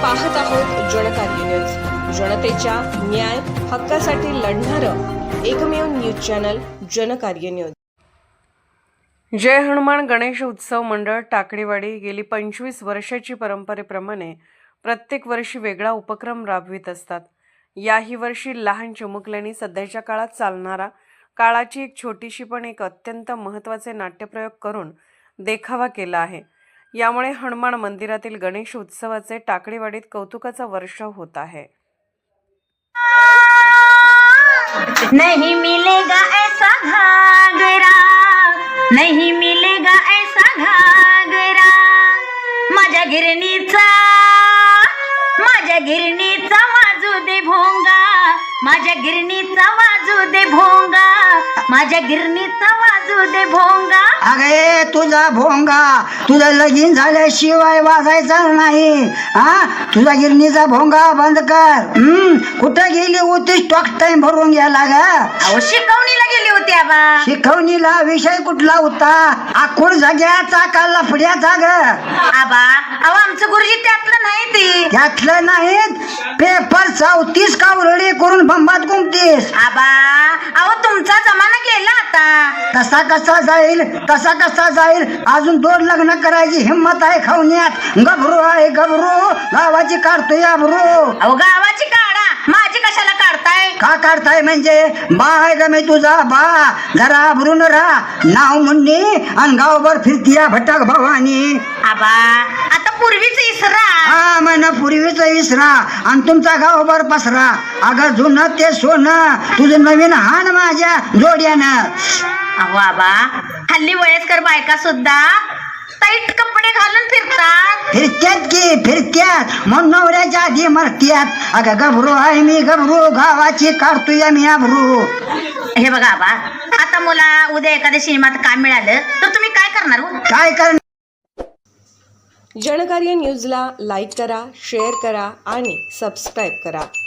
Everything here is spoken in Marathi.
पाहत आहोत जनकार्य न्यूज, जनतेच्या न्याय हक्कासाठी लढणारं एकमेव न्यूज चॅनल जनकार्य न्यूज। जय हनुमान गणेश उत्सव मंडळ टाकळीवाडी गेली 25 वर्षाची परंपरेप्रमाणे प्रत्येक वर्षी वेगळा उपक्रम राबवित असतात। याही वर्षी लहान चिमुकल्यांनी सध्याच्या काळात चालणारा काळाची एक छोटीशी पण एक अत्यंत महत्त्वाचे नाट्यप्रयोग करून देखावा केला आहे। यामुळे हनुमान मंदिरातील गणेश उत्सवाचे टाकळीवाडीत कौतुकाचा वर्षाव होत आहे। नहीं मिलेगा ऐसा घागरा, नहीं मिलेगा ऐसा घागरा, माझ्या गिरणीचा वाजू दे भोंगा, माझ्या गिरणीचा वाजू दे भोंगा, माझ्या गिरणीचा वाजू दे भोंगा। अगे तुझा भोंगा तुझं लगीन झाल्याशिवाय वाजायचा नाही। तुझा गिरणीचा भोंगा बंद कर। कुठं गेली होती? स्टॉक टाइम भरून गेला ग। अहो शिकवणीला गेली होती आबा। शिकवणीला विषय कुठला होता? आखूड जाग्याचा का लफड्याचा ग? आबा अहो आमचं गुरुजी त्यातलं नाही ते। त्यातलं नाहीत? पेपर 34 कावरडी करून बंबात गुंमतीस। आबा अहो तुमचा जमाना गेला आता। कसा कसा जाईल अजून 2 लग्न करायची हिम्मत आहे खवण्यात? गभरू आहे गभरू, गावाची काढतोय अभरू। अहो गावाची काढा, माझी कशाला काढताय? का काढताय म्हणजे? बा आहे ग मी तुझा बा, जरा अभरून राहा। नाव मुन्नी आणि गावभर फिरतीया भटक भवानी। आबा आता पूर्वीच इसरा। हा म्हण पूर्वीच इसरा आणि तुमचा गावभर पसरा। अगं जुनं ते सोनं तुझं नवीन हान माझ्या जोड्यानं। अहो आबा हल्ली वयस्कर बायका सुद्धा टाईट कपडे घालून फिरतात। फिरत्यात म्हणून नवऱ्याच्या आधी मरत्यात। अगं गभरू आहे मी गभरू, गावाची काढतोय मी अभरू। हे बघा आबा आता मला उद्या एखाद्या सिनेमात काम मिळालं तर तुम्ही काय करणार हो? काय करणार? जनकार्य न्यूजला लाईक करा, शेअर करा आणि सबस्क्राईब करा।